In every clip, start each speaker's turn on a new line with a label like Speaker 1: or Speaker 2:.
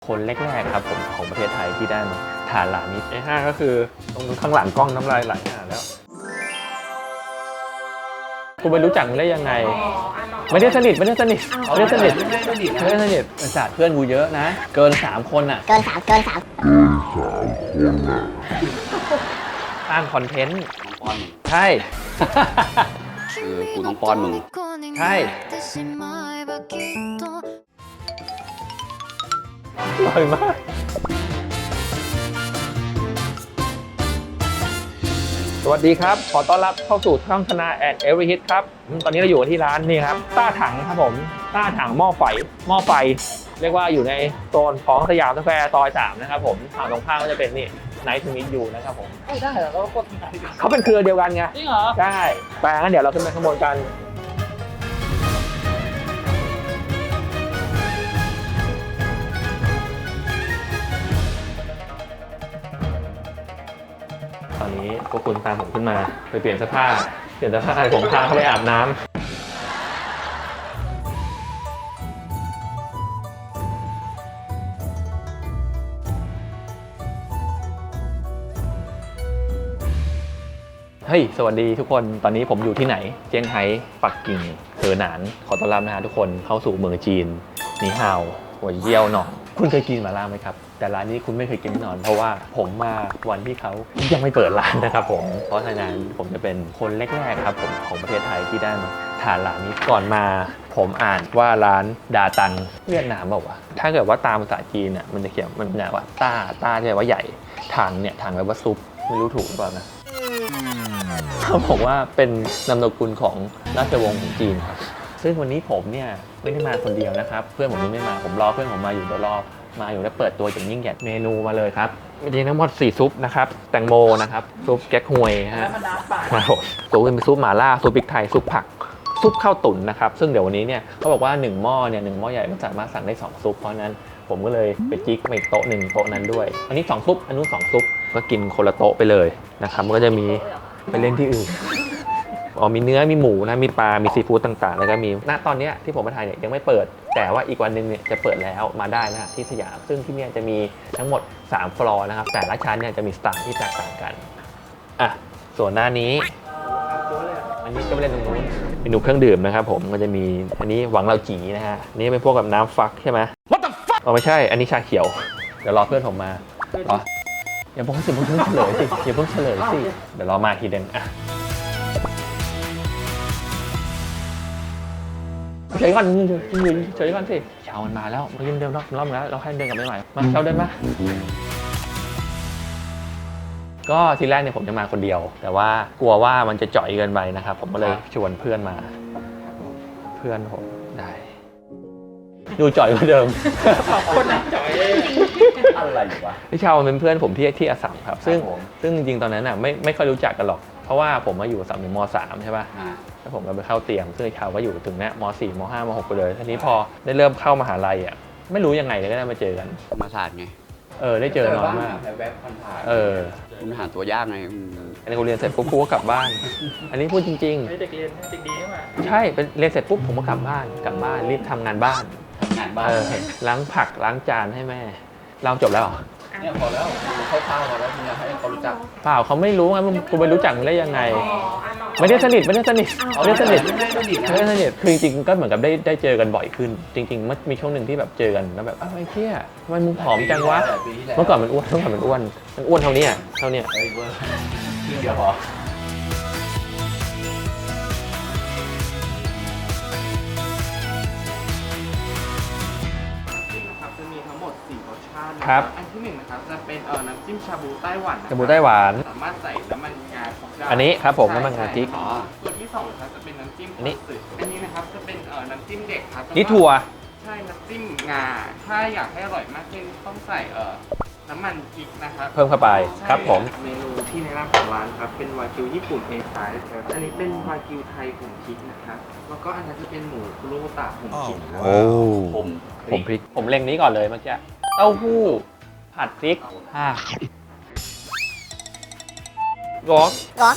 Speaker 1: คนแรกๆครับผมของประเทศไทยที่ได้มาทานร้านนี้ไอ้ห้าก็คือตรงข้างหลังกล้องน้ำลายไหลแล้วกูไปรู้จักมึงได้ยังไงไม่ได้สนิทศาสตร์เพื่อนกูเยอะนะเกิน3 คนอ่ะ
Speaker 2: เกินสาม
Speaker 1: สร้างคอนเทนต์
Speaker 3: ป้อนมึง
Speaker 1: ใช่
Speaker 3: คือกูต้องป้อนมึง
Speaker 1: ใช่อร่อยมากสวัสดีครับขอต้อนรับเข้าสู่ช่องธนาแอนด์เอเวอร์ฮิตครับตอนนี้เราอยู่ที่ร้านนี่ครับต้าถังครับผมต้าถังหม้อไฟเรียกว่าอยู่ในโซนของสยามสแควร์ซอย3นะครับผมฝั่งตรงข้ามก็จะเป็นนี่ไนท์ทูมิทยูนะครับผมไม่ได้เหรอเราก็เขาเป็นเครือเดียวกันไงจริงเหรอใช่แต่งั้นเดี๋ยวเราขึ้นไปข้างบนกันตอนนี้พวกคุณตามผมขึ้นมาไปเปลี่ยนเสื้อผ้าผมพาเขาไปอาบน้ำเฮ้ยสวัสดีทุกคนตอนนี้ผมอยู่ที่ไหนเจียงไฮ้ปักกิ่งเหอหนานขอต้อนรับนะฮะทุกคนเข้าสู่เมืองจีนนีฮาวหัวเยี่ยวหนองคุณเคยกินหม่าล่าไหมครับแต่ร้านนี้คุณไม่เคยกินแน่นอนเพราะว่าผมมาวันที่เขายังไม่เปิดร้านนะครับผมเพราะฉะนั้นผมจะเป็นคนแรกๆครับผมของประเทศไทยที่ได้มาทานร้านนี้ก่อนมาผมอ่านว่าร้านดาตังเวียดนามบอกว่าถ้าเกิดว่าตามภาษาจีนเนี่ยมันจะเขียนมันจะว่าต้าเนี่ยว่าใหญ่ถังเนี่ยถังแปลว่าซุปไม่รู้ถูกหรือเปล่านะเขาบอกว่าเป็นนามสกุลของราชวงศ์ของจีนครับซึ่งวันนี้ผมเนี่ยไม่ได้มาคนเดียวนะครับเพื่อนผมยังไม่มาผมรอเพื่อนผมมาอยู่เดี๋ยวรอมาอยู่แล้วเปิดตัวอย่างยิ่งใหญ่เมนูมาเลยครับมีทั้งหมด4ซุปนะครับแตงโมนะครับซุปแก๊กฮวยฮะครับผมตัวเป็นซุปหม่าล่าซุปพริกไทยซุปผักซุปข้าวตุ๋นนะครับซึ่งเดี๋ยววันนี้เนี่ยเขาบอกว่า1 หม้อเนี่ย1 หม้อใหญ่มันสามารถสั่งได้2 ซุปเพราะนั้นผมก็เลยไปจิ๊กไปโต๊ะ1โต๊ะนั้นด้วยอันนี้2 ซุปอันนู้น2 ซุปก็กินคนละโต๊ะไปเลยนะครับมันก็จะมีไปเล่นที่อื่นมีเนื้อมีหมูนะมีปลามีซีฟู้ดต่างๆแล้วก็มีณตอนนี้ที่ผมมาถ่ายเนี่ยยังไม่เปิดแต่ว่าอีกวันนึงเนี่ยจะเปิดแล้วมาได้นะที่สยามซึ่งที่นี่จะมีทั้งหมด3 ฟลอร์นะครับแต่ละชั้นเนี่ยจะมีสไตล์ที่แตกต่างกันอ่ะส่วนหน้านี้อันนี้ก็ไปเล่นตรงนู้นเมนูเครื่องดื่มนะครับผมก็จะมีอันนี้หวังเราจีนะฮะนี่เป็นพวกกับน้ำฟักใช่ไหม What the fuck ไม่ใช่อันนี้ชาเขียวเดี๋ยวรอเพื่อนผมมาอย่าเพิ่งเฉลยสิเดี๋ยวรอมาทีเดียวอ่ะเฉยก่อนสิเช้ามันมาแล้วมาเล่นเดิมรอบแล้วเราให้เดินกลับไปใหม่มาเช้าเดินมาก็ทีแรกเนี่ยผมจะมาคนเดียวแต่ว่ากลัวว่ามันจะจ่อยเกินไปนะครับผมก็เลยชวนเพื่อนมาเพื่อนผมได้ดูจ่อยกว่าเดิมคนนั้นจ่อยอะไรวะพี่เชาเป็นเพื่อนผมที่อัสสัมครับซึ่งจริงๆตอนนั้นอ่ะไม่ค่อยรู้จักกันหรอกเพราะว่าผมมาอยู่อัสสัมถึงม.3 ใช่ป่ะแล้วผมก็ไปเข้าเตรียมซึ่งเขาก็อยู่ถึงเนี้ยม.4 ม.5 ม.6 ไปเลยทีนี้พอได้เริ่มเข้ามหาลัยอ่ะไม่รู้ยังไงเลยก็ได้มาเจอกัน
Speaker 3: ธรรมศาสตร์ไง
Speaker 1: ได้เจอน้อยมาก
Speaker 3: แวบผ่าน
Speaker 1: มัน
Speaker 3: หาตัวยากไง
Speaker 1: อันนี้กูเรียนเสร็จปุ๊บกูก็กลับบ้านอันนี้พูดจริงๆเด็กเรียนเด็กดีใช่ไหมใช่เป็นเรียนเสร็จปุ๊บผมก็กลับบ้านรีบทำงานบ้านล้างผักล้างจานให้แม่เราจบแล้ว
Speaker 3: เนี่ยพอแล้วเข้าพอแล้วมึงอยากให้เขารู้จัก
Speaker 1: เปล่าเขาไม่รู้ไงกูไปรู้จักมึงได้ยังไงไม่ได้สนิทคือจริงๆก็เหมือนกับได้เจอกันบ่อยขึ้นจริงๆมันมีช่วงหนึ่งที่แบบเจอกันแล้วแบบไอ้เหี้ยทำไมมึงผอมจังวะเมื่อก่อนมันอ้วนเท่านี้
Speaker 3: เดียวพอ
Speaker 4: จะมีทั้งหมด4 รสชาติ
Speaker 1: ครับ
Speaker 4: อันที่1นะครับจะเป็นน้ำจิ้มชาบูไต้หวันสามารถใส่น้ำมันงาได้
Speaker 1: อันนี้ครับผมน้ำมันงาพริก
Speaker 4: ตัวที่2ครับจะเป็นน้ำจิ้มอันนี้นะครับจะเป็นน้ำจิ้มเด็กครับ
Speaker 1: นี่ถั่ว
Speaker 4: ใช่น้ำจิ้มงาถ้าอยากให้อร่อยมากขึ้นต้องใส่น้ำมันพริกนะครับ
Speaker 1: เพิ่มเข้าไปครับผม
Speaker 4: เมนูที่แนะนำของร้านครับเป็นวากิวญี่ปุ่น A5 ครับอันนี้เป็นวากิวไทยผงพริกนะครับแล้วก็อันนั้นจะเป็นหมูคุโรบุตะผงพริก
Speaker 1: ผมพริกผมเล็งนี้ก่อนเลยเมื่อกี้เต้าหู้ผัดพริกร้อน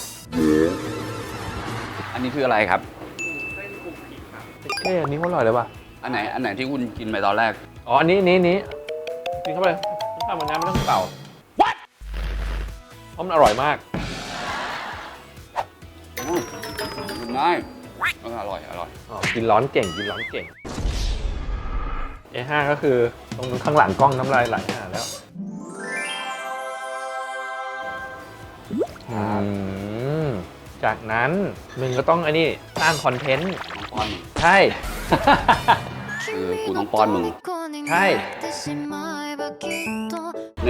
Speaker 3: อันนี้คืออะไรครับ
Speaker 4: เส้นผงพริกครับ
Speaker 1: อันนี้อร่อยเลยว่ะ
Speaker 3: อันไหนที่คุณกินไปตอนแรก
Speaker 1: อันนี้กินเข้าไปข้าวมันน้ำไม่ต้องเป่า What เพราะมันอร่อยมาก
Speaker 3: กินง่ายอร่อย
Speaker 1: อ๋อกินร้อนเก่งกินร้อนเก่ง A5 ก็คือตรงข้างหลังกล้องน้ำลายไหลแล้วจากนั้นมึงก็ต้องไอ้นี่สร้างคอนเทนต์
Speaker 3: ต้องป้อนมึง
Speaker 1: ใช่
Speaker 3: คือกูต้องป้อนมึง
Speaker 1: ใช่
Speaker 3: 1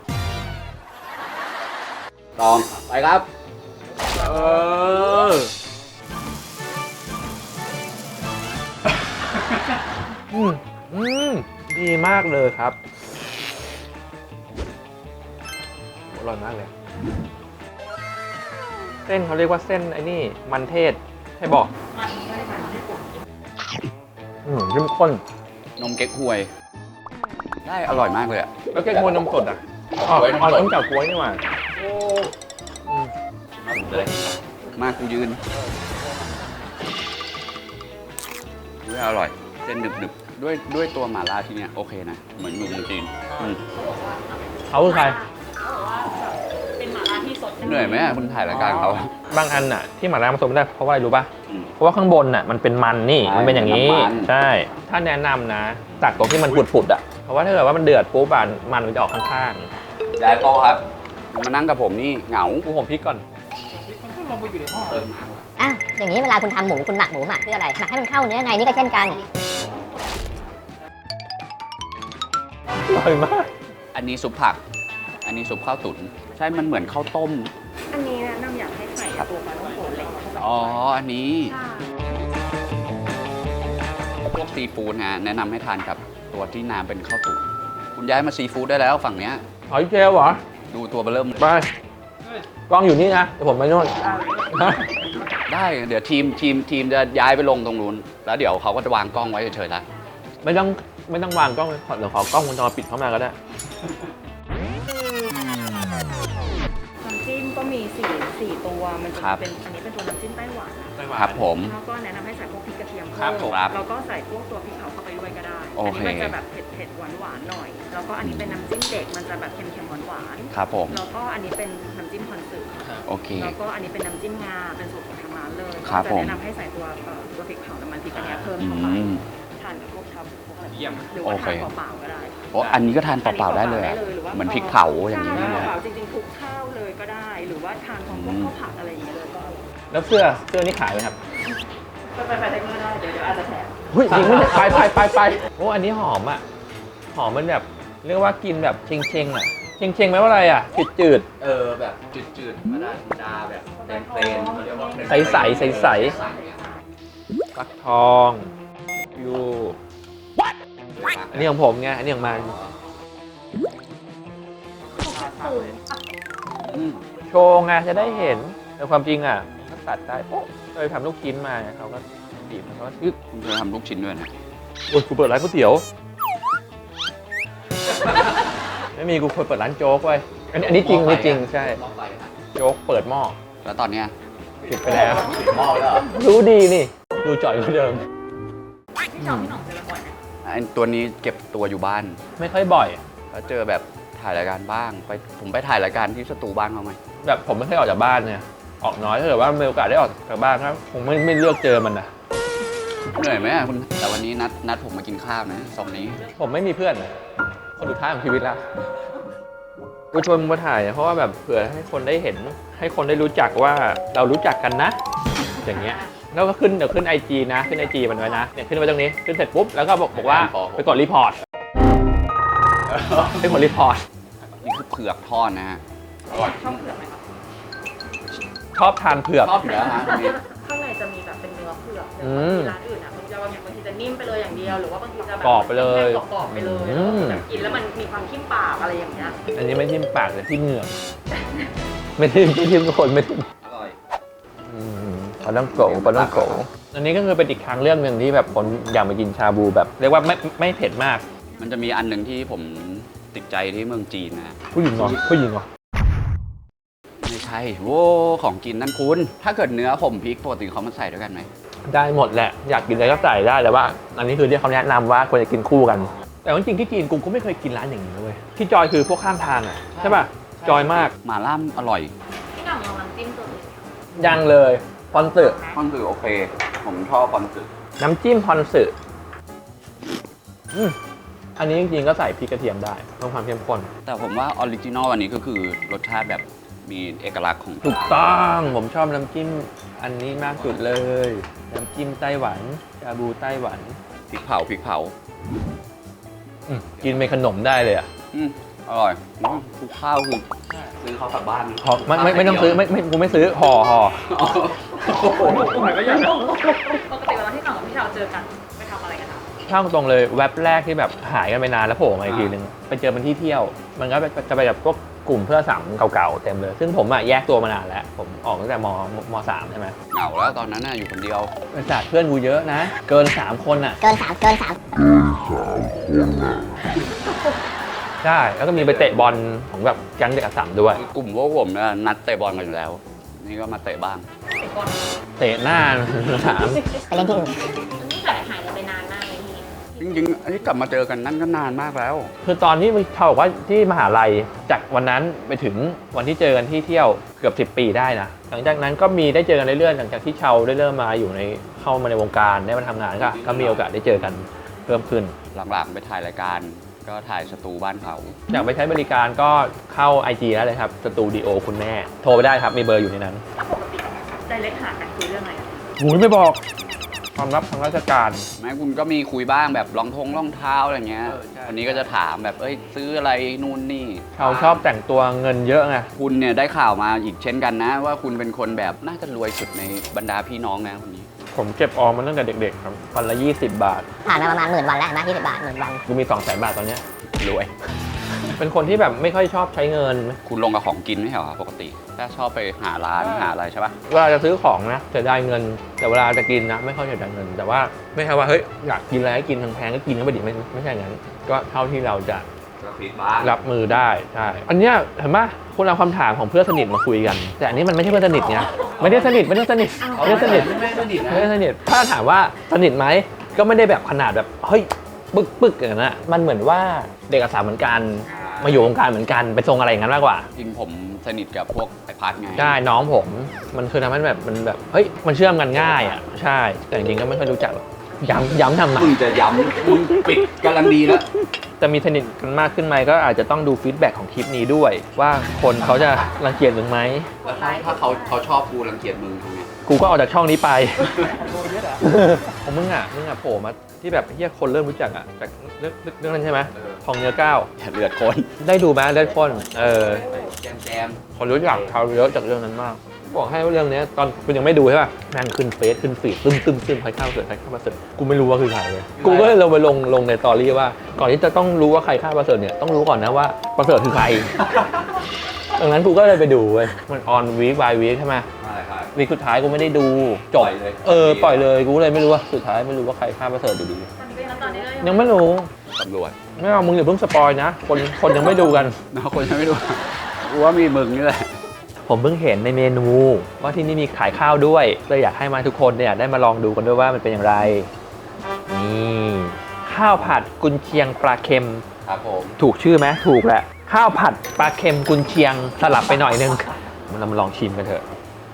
Speaker 3: 2 ไปครับ
Speaker 1: อืมดีมากเลยครับอร่อยมากเลย เส้นเขาเรียกว่าเส้นไอ้นี่มันเทศใช่บอกเข้มข้น
Speaker 3: นมเก๊กฮวย ได้อร่อยมากเลยอ่ะ
Speaker 1: แล้วแกงมวนนมสดอ่ะอ๋อต้องจากกล้วยนี่หว่า
Speaker 3: เลยมากูยืนด้วยอร่อย เส้นหนึบๆด้วยตัวหม่าล่าที่เนี่ยโอเคนะ เหมือนอยู่เมืองจีน
Speaker 1: เขาคือใคร
Speaker 2: เป็นหมาล่าที่สด
Speaker 3: เหนื่อยไหมอะคุณถ่ายรายการเขา
Speaker 1: บางอันน่ะที่หม่าล่าผสมไม่ได้เพราะว่าอะไรรู้ป่ะ
Speaker 3: อืม
Speaker 1: เพราะว่าข้างบนน่ะมันเป็นมันนี่
Speaker 3: ใช่
Speaker 1: มันเป็นอย่างนี้
Speaker 3: มันน้ำมัน
Speaker 1: ใช่ ถ้าแนะนำนะตักตรงที่มันปุดๆอ่ะเพราะว่าถ้าเกิดว่ามันเดือดปุ๊บอ่ะมันจะออกข้าง
Speaker 3: ยายโตครับมานั่งกับผมนี่เหงา
Speaker 1: ๆกูผมพริกก่อน
Speaker 5: อ่ะอย่างนี้เวลาคุณทำหมูคุณหมักหมูหมักเพื่ออะไรหมักให้มันเข้าเนื้อไงนี่ก็เช่นกัน
Speaker 1: อร่อยมาก
Speaker 3: อันนี้ซุปผัก อันนี้ซุปข้าวตุ๋นใช่ มันเหมือนข้าวต้ม
Speaker 2: อันนี้แนะนำอยากให้ใส่ตัวปลาท่องโกะเล็กเข้าไป
Speaker 3: อ๋อ อันนี้
Speaker 2: ค่ะ
Speaker 3: พวกซีฟู้ดนะแนะนำให้ทานกับตัวที่น้ำเป็นข้าวตุ๋นคุณย้ายมาซีฟู้ดได้แล้วฝั่งเนี้ย
Speaker 1: หอยเชลล์เหรอ
Speaker 3: ดูตัวเบอร์เริ่มเลย
Speaker 1: ไปกล้องอยู่นี่นะเดี๋ยวผมไปโน่นฮะ
Speaker 3: ได้เดี๋ยวทีมจะย้ายไปลงตรงนู้น แล้วเดี๋ยวเขาก็จะวางกล้องไว้เฉยๆละ
Speaker 1: ไม่ต้องวางกล้องเลยเดี๋ยวขอกล้องวงจรปิดเข้ามาก็ได้
Speaker 2: น้ำจิ้มก็มีสี่ตัวมันจะเป็นอันนี้เป็นตัวน้ำจิ้มไต้หวันนะครับ
Speaker 3: ผม
Speaker 2: แล้วก็แนะนำให้ใส่พวกพริกกระเทียม
Speaker 3: ครับ
Speaker 2: เพิ่ม
Speaker 3: ครับ
Speaker 2: แล้วก็ใส่พวกตัวพริกเผาเข้าไปด้วยก็ได้
Speaker 3: โอเค
Speaker 2: อันี้มันจะแบบเผ็ดหวานๆหน่อย แล้วก็อันนี้เป็นน้ำจิ้มเด็กมันจะแบบเค็มๆหวาน
Speaker 3: ครับผม
Speaker 2: ๆแล้วก็อันนี้เป็นน้ำจิ้มคอนสึ
Speaker 3: โอเค
Speaker 2: แล้วก็อันนี้เป็นน้ำจิ้มงาเป็นสูตรของทางร้านเลย
Speaker 3: ครับ
Speaker 2: จะ
Speaker 3: ผม
Speaker 2: แนะนำให้ใส่ตัวพริกเผาน้ำมันพริกอันเนี้ยเพิ่ม
Speaker 3: อื
Speaker 2: เข้าไป
Speaker 3: ม
Speaker 2: ทานกับพวกชาบูพวกอะไร
Speaker 1: เยี่ยม
Speaker 2: หรือว่า
Speaker 3: โอเค
Speaker 2: ทานเปล่าๆก็ได้
Speaker 3: โอ้อันนี้ก็ทานเปล่าๆได้เลยอะ
Speaker 2: หรือว่า
Speaker 3: เหมือนพริกเผาอย่างนี้
Speaker 2: ใช่
Speaker 3: เลย
Speaker 2: เปล่าๆจริงๆคลุกข้าวเลยก็ได้ หรือว่าทานพร้อมพวกข้าวผัดอะไรอย่างเงี้ยเลยก็อร่อย
Speaker 1: แล้วเสื้อนี่ขายไหมครับ
Speaker 2: ไปเทคเนอร์ได้เดี๋ยวอาจจะแถม
Speaker 1: เฮ้ยจริงไหมเนี่ยไปโอ้อันนี้หอมอ่ะหอมมันแบบเรียกว่ากินแบบเชงๆอ่ะเชงไหมว่าอะไรอ่ะจืด
Speaker 3: แบบจืดๆธรรมดาแบบเพลนๆเขาเรียกว่า
Speaker 1: ๆใสฟักทองยูอันนี้ของผมไงอันนี้ของมัน
Speaker 3: อืม
Speaker 1: โชว์ไงจะได้เห็นแต่ความจริงอ่ะถ้าตัดได้โอ้เคยทำลูกชิ้นมาเขาก็บีบมันก็ยึก
Speaker 3: คุณเคยทำลูกชิ้นด้วยนะ
Speaker 1: โอ้ยกูเปิดร้านก๋วยเตี๋ยว ไม่มีกูเคยเปิดร้านโจ๊กไว้ยอันนี้จริงใช่ โจ๊กเปิดหม้อ
Speaker 3: แล้วตอนเนี้ย
Speaker 1: ปิดไปแล้ว
Speaker 3: หม้อแล้ว
Speaker 1: รู้ดีนี่ ดูจ่อยกว่าเดิม
Speaker 2: พี่น้องเจอบ่อยนะ
Speaker 3: อันตัวนี้เก็บตัวอยู่บ้าน
Speaker 1: ไม่ค่อยบ่อย
Speaker 3: แล้วเจอแบบถ่ายรายการบ้างผมไปถ่ายรายการที่สตูบ้านเขาไหม
Speaker 1: แบบผมไม่ค่อยออกจากบ้านเนี่ยออกน้อยถ้าเกิดว่ามีโอกาสได้ออกจากบ้านครับคงไม่เลือกเจอมันนะ
Speaker 3: เหนื่อยไหมอะคุณแต่วันนี้นัดผมมากินข้าวนะซองนี้
Speaker 1: ผมไม่มีเพื่อนนะคนสุดท้ายของชีวิตแล้วกูชวนมึงมาถ่ายเพราะว่าแบบเผื่อให้คนได้เห็น ให้คนได้รู้จักว่าเรารู้จักกันนะ อย่างเงี้ยแล้วก็เดี๋ยวขึ้น IG นะขึ้น IG มันไว้นะเนี่ยขึ้นไว้ตรงนี้ขึ้นเสร็จปุ๊บแล้วก็บอกว่าไปกดรีพอร์ตไปกดรีพอร์ต
Speaker 3: นี่คือเผือกทอดนะฮะอร่อย
Speaker 2: ชอบเผือกไหมคะ
Speaker 1: ชอบทานเผือก
Speaker 3: ชอบอยู่แล้วฮะอันนี้
Speaker 2: ข้างในจะมีแบบเป็นเนื้อเผือก
Speaker 1: อื
Speaker 2: แต่
Speaker 1: ม
Speaker 2: บางทีร้านอื่นอ่ะบางทีจะนิ่มไปเลยอย่างเดียว หรือว่าบางทีจะแบบ
Speaker 1: กรอบไปเลย
Speaker 2: กรอบๆไปเลย
Speaker 1: อืม
Speaker 2: แบบกินแล้วมันมีความทิ่มปากอะไรอย่างเงี้ย
Speaker 1: อันนี้ไม่ทิ่มปากแต่ทิ่มเหงือกไม่ทิ่มทุกคนไม่ทิ่ม
Speaker 3: อร่อย
Speaker 1: ปลาต้องโกอันนี้ก็คือเป็นอีกทางเรื่องหนึ่งที่แบบคนอยากมากินชาบูแบบเรียกว่าไม่เผ็ดมาก
Speaker 3: มันจะมีอันหนึ่งที่ผมติดใจที่เมืองจีนนะ
Speaker 1: ผู้หญิงเหรอผู้หญิงเหรอ
Speaker 3: ไม่ใช่โว้ของกินนั่นคุณ ถ้าเกิดเนื้อผมพริกปกติเขามาใส่ด้วยกันไหม
Speaker 1: ได้หมดแหละอยากกินอะไรก็ใส่ได้แต่ว่า อันนี้คือที่เขาแนะนำว่าควรจะกินคู่กันแต่ว่าจริงๆที่จีนกูก็ไม่เคยกินร้านอย่างนี้เลยเว้ยที่จอยคือพวกข้างทางอ่ะใช่ป่ะจอยมาก
Speaker 3: หม่าล่าอร่อย
Speaker 2: พี่หน่องลองน้ำจิ้มตัวอื่น
Speaker 1: ยังเลยพอนสึ
Speaker 3: ปอนสึโอเค ผมชอบปอนสึ
Speaker 1: น้ำจิ้มพอนสึอันนี้จริงๆก็ใส่พริกกระเทียมได้เพิ่มความเข้มข้น
Speaker 3: แต่ผมว่าออริจินอลอันนี้ก็คือรสชาติแบบมีเอกลักษณ์ของ
Speaker 1: ถูกต้องผมชอบน้ำจิ้มอันนี้มากสุดเลยน้ำจิ้มไต้หวันชาบูไต้หวัน
Speaker 3: พริกเผาพริกเผา
Speaker 1: กินเป็นขนมได้เลยอ่ะ
Speaker 3: อร่อยทุกข้าวคือซื้อเขากลับบ้าน
Speaker 1: ไม่ต้องซื้อไม่กูไม่ซื้อห่อ
Speaker 2: ปกติเวลาที่หน่องกับพี่ชาวเจอกันไปทำอะไรกันคะ
Speaker 1: ช่างตรงเลยแว็บแรกที่แบบหายกันไปนานแล้วโผล่มาอีกทีนึงไปเจอมันที่เที่ยว มันก็จะไปแบบพวกกลุ่มเพื่อนสามเก่าๆเต็มเลย ซึ่งผมอะแยกตัวมานานแล้วผมออกตั้งแต่ม3ใช่ไหม
Speaker 3: เหงาแล้วตอนนั้นน่ะอยู่คนเดียว
Speaker 1: บริษัทเพื่อนกูเยอะนะ เกิน 3 คนอะ
Speaker 5: เกิน3
Speaker 1: ใช่แล้วก็มีไปเตะบอลของแบบแก๊งเด็กอัสสัมด้วย
Speaker 3: กลุ่มพวกผมเนี่ยนัดเตะบอลกันอยู่แล้ว นี่ก็มาเตะบ้าง
Speaker 2: ไอ้คน
Speaker 1: เตะหน้าถาม
Speaker 5: ไปเล่นที่อื่น
Speaker 2: นี่หายไปนานมากเลยพี่
Speaker 3: จริงๆอันนี้กลับมาเจอกันนั่นก็นานมากแล้ว
Speaker 1: คือตอนที่เขาบอกว่าที่มหาลัยจากวันนั้นไปถึงวันที่เจอกันที่เที่ยวเกือบ10 ปีได้นะหลังจากนั้นก็มีได้เจอกันเรื่อยๆหลังจากที่เชาได้เริ่มมาอยู่ในเข้ามาในวงการได้มาทำงานก็มีโอกาสได้เจอกันเพิ่มขึ้น
Speaker 3: หลังๆไปถ่ายรายการก็ถ่ายสตูบ้านเขา
Speaker 1: อยากไปใช้บริการก็เข้า IG แล้วเลยครับสตูดิโอคุณแม่โทรไปได้ครับมีเบอร์อยู่ในนั้น
Speaker 2: ถ้าปกติไดเรกหากันคุยเรื่องอะไรอะ
Speaker 1: หูยไม่บอกความลับทางราชการ
Speaker 3: แม้คุณก็มีคุยบ้างแบบรองเท้าอะไรเงี้ย
Speaker 1: ใช่
Speaker 3: วันนี้ก็จะถามแบบซื้ออะไรนู่นนี่
Speaker 1: เขาชอบแต่งตัวเงินเยอะไง
Speaker 3: คุณเนี่ยได้ข่าวมาอีกเช่นกันนะ ว่าคุณเป็นคนแบบน่าจะรวยสุดในบรรดาพี่น้องนะคนนี้
Speaker 1: ผมเก็บออมมาตั้งแต่เด็กๆครับวันละ20 บาท
Speaker 5: ผ่านมาประมาณ10,000 วันแล้วนะ20 บาท10,000 วัน
Speaker 1: กูมี 200,000 บาทตอนเนี้ย
Speaker 3: รวย
Speaker 1: เป็นคนที่แบบไม่ค่อยชอบใช้เงิน
Speaker 3: คุณลงกับของกินไม่ใช่เหรอปกติถ้าชอบไปหาร้านหาอะไรใช่ปะ
Speaker 1: เวลาจะซื้อของนะเสียดายเงิน แต่เวลาจะกินนะไม่ค่อยเสียดายเงิน แต่ว่าไม่ใช่ว่าเฮ้ยอยากกินอะไรก็กินแพงๆก็กินก็ไปดิไม่ใช่อย่างนั้น ก็เท่าที่เราจะ รับมือได้ใช่อันเนี้ยเห็นไหมคุณเอาคำถามของเพื่อนสนิทมาคุยกัน แต่อันนี้มันไม่ใช่เพื่อนสนิทไงไม่ได้สนิทไม่ได้สนิทไม่ได้สนิทไม่ได้สนิทถ้าถามว่าสนิทไหมก็ไม่ได้แบบขนาดแบบเฮ้ยปึ๊กอย่างนั้นอะมันเหมือนว่าเด็กอาสาเหมือนกันมาอยู่วงการเหมือนกันไปทรงอะไรอย่างนั้นมากกว่า
Speaker 3: จริงผมสนิทกับพวกไอพัดไง
Speaker 1: ใช่น้องผมมันคือทำให้แบบมันแบบเฮ้ยมันเชื่อมกันง่ายอ่ะใช่แต่จริงๆก็ไม่ค่อยรู้จักหรอกย้ำทำไม
Speaker 3: มึงจะย้ำมึงปิดกำลังดีแล้ว
Speaker 1: จะมีสนิทกันมากขึ้นไหมก็อาจจะต้องดูฟีดแบ็กของคลิปนี้ด้วย ว่าคนเขาจะรังเกียจมึงไหม
Speaker 3: ถ้าเขาชอบกูรังเกียจมึงทำไง
Speaker 1: กูก็ออกจากช่องนี้ไป ของมึงอ่ะโผล่มาที่แบบเฮียคนเริ่มรู้จักอ่ะจากเรื่องนั้นใช่ไหมทองเนื้อก้าว
Speaker 3: อย่าเลือดคน
Speaker 1: ได้ดูไหมเลือดข้น
Speaker 3: แจม
Speaker 1: คนรู้จักเขาเยอะจากเรื่องนั้นมาก บอกให้ว่าเรื่องนี้ตอนคุณยังไม่ดูใช่ป่ะแม่งขึ้นเฟซขึ้นฟีดตึ้มใครฆ่าประเสริฐกูไม่รู้ว่าคือใครเลยกูก็เลยลงในตอรี่ว่าก่อนที่จะต้องรู้ว่าใครฆ่าประเสริฐเนี่ยต้องรู้ก่อนนะว่าประเสริฐคือใคร ดังนั้นกูก็เลยไปดูเว้ยมันออนวีคบายวีคใช่ไหมวีคสุดท้ายกูไม่ได้ดูจบปล่อยเลยกูเลยไม่รู้ว่าสุดท้ายไม่รู้ว่าใครฆ่าประเสริฐอยู่ดี
Speaker 2: ตอนนี้ก็
Speaker 1: ยังไม่รู้
Speaker 3: ตำรวจ
Speaker 1: ไม่เอามึงอย่าเพิ่งสปอยนะคนยังไม่ดูกัน
Speaker 3: น้องคนยังไม่ดูรู้ว่ามีมึงนี่แหละ
Speaker 1: ผมเพิ่งเห็นในเมนูว่าที่นี่มีขายข้าวด้วยเลยอยากให้มาทุกคนเนี่ยได้มาลองดูกันด้วยว่ามันเป็นอย่างไรนี่ข้าวผัดกุนเชียงปลาเค็ม
Speaker 3: ครับผม
Speaker 1: ถูกชื่อไหมถูกแหละข้าวผัดปลาเค็มกุนเชียงสลับไปหน่อยนึงเรามาลองชิมกันเถอะ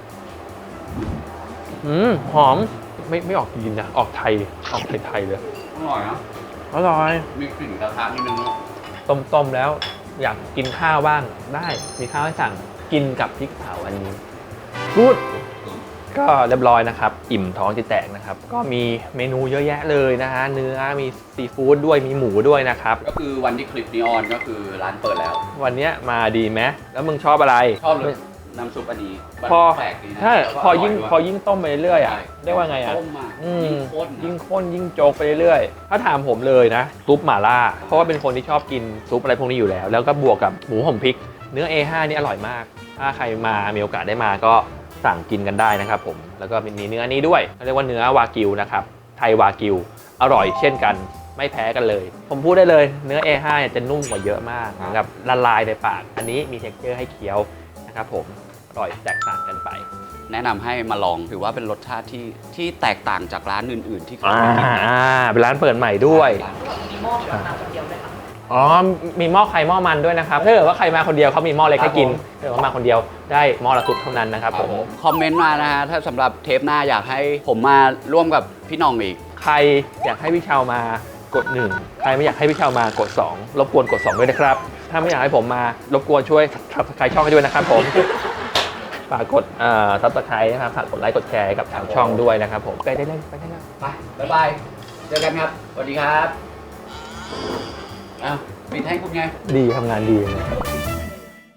Speaker 1: หอมไม่ออกจีนนะออกไทยเลย
Speaker 3: อร่อยนะ
Speaker 1: อร่อย
Speaker 3: มีกลิ่นกระทะนิดนึงเนาะ
Speaker 1: ต้มแล้วอยากกินข้าวบ้างได้มีข้าวให้สั่งกินกับพริกเผาอันนี้กูดก็เรียบร้อยนะครับอิ่มท้องจะแตกนะครับก็มีเมนูเยอะแยะเลยนะฮะเนื้อมีซีฟู้ดด้วยมีหมูด้วยนะครับ
Speaker 3: ก็คือวันที่คลิปนี้ออนก็คือร้านเปิดแล้ว
Speaker 1: วันเนี้ยมาดีไหมแล้วมึงชอบอะไร
Speaker 3: ชอบเลยน้ำซุปอันนี้
Speaker 1: พอ
Speaker 3: แปลกดีนะ
Speaker 1: ใช่
Speaker 3: แล้วก็
Speaker 1: พอยิ่ง
Speaker 3: ร่ด้ว
Speaker 1: พอยิ่งต้มไปเรื่อยๆอ่ะ
Speaker 3: ใช่
Speaker 1: เรียกว่าไงอ่ะ
Speaker 3: ต้มมา
Speaker 1: อืม
Speaker 3: ยิ่งข้น
Speaker 1: ยิ่งโจกไปเรื่อยๆถ้าถามผมเลยนะซุปหม่าล่าเพราะว่าเป็นคนที่ชอบกินซุปอะไรพวกนี้อยู่แล้วแล้วก็บวกกับหมูห่มพริกเนื้อ A5 นี่อร่อยมากถ้าใครมามีโอกาสได้มาก็สั่งกินกันได้นะครับผมแล้วก็มีเนื้อนี้ด้วยเรียกว่าเนื้อวากิวนะครับไทยวากิวอร่อยเช่นกันไม่แพ้กันเลย ผมพูดได้เลยเนื้อ A5 เนี่ยจะนุ่มกว่าเยอะมากเหมือนกับละลายในปากอันนี้มี texture ให้เคี้ยวนะครับผมอร่อยแตกต่างกันไป
Speaker 3: แนะนำให้มาลองถือว่าเป็นรสชาติที่แตกต่างจากร้านอื่น ๆ ที่เคย
Speaker 1: อ่า
Speaker 3: ไปกินมา
Speaker 1: เป็นร้านเปิดใหม่ด้วย
Speaker 2: มีหม้อสำหรับมาคนเดียวด้วยค่ะ
Speaker 1: อ๋อ มีหม้อใครหม้อมันด้วยนะครับถ้าเกิดว่าใครมาคนเดียวเขามีหม้อเล็กให้กินถ้าเกิดว่ามาคนเดียวได้หม้อละซุปเท่านั้นนะครับผม
Speaker 3: คอมเมนต์มานะฮะถ้าสำหรับเทปหน้าอยากให้ผมมาร่วมกับพี่หน้องอีก
Speaker 1: ใครอยากให้พี่เชามากด 1 ใครไม่อยากให้พี่เชามากด 2 รบกวนกด 2 ด้วยนะครับ ถ้าไม่อยากให้ผมมารบกวนช่วยsubscribe ช่องให้ด้วยนะครับผม ฝากกดsubscribe นะครับฝากกดไลค์กดแชร์ให้กับทางช่องด้วยนะครับผมไปได้เลยไปได้เลย
Speaker 3: ไปบ๊ายบาย เจอกันครับ สวัสดีครับ อ้าวปิดให้คุณไง
Speaker 1: ดีทำงานดีเลย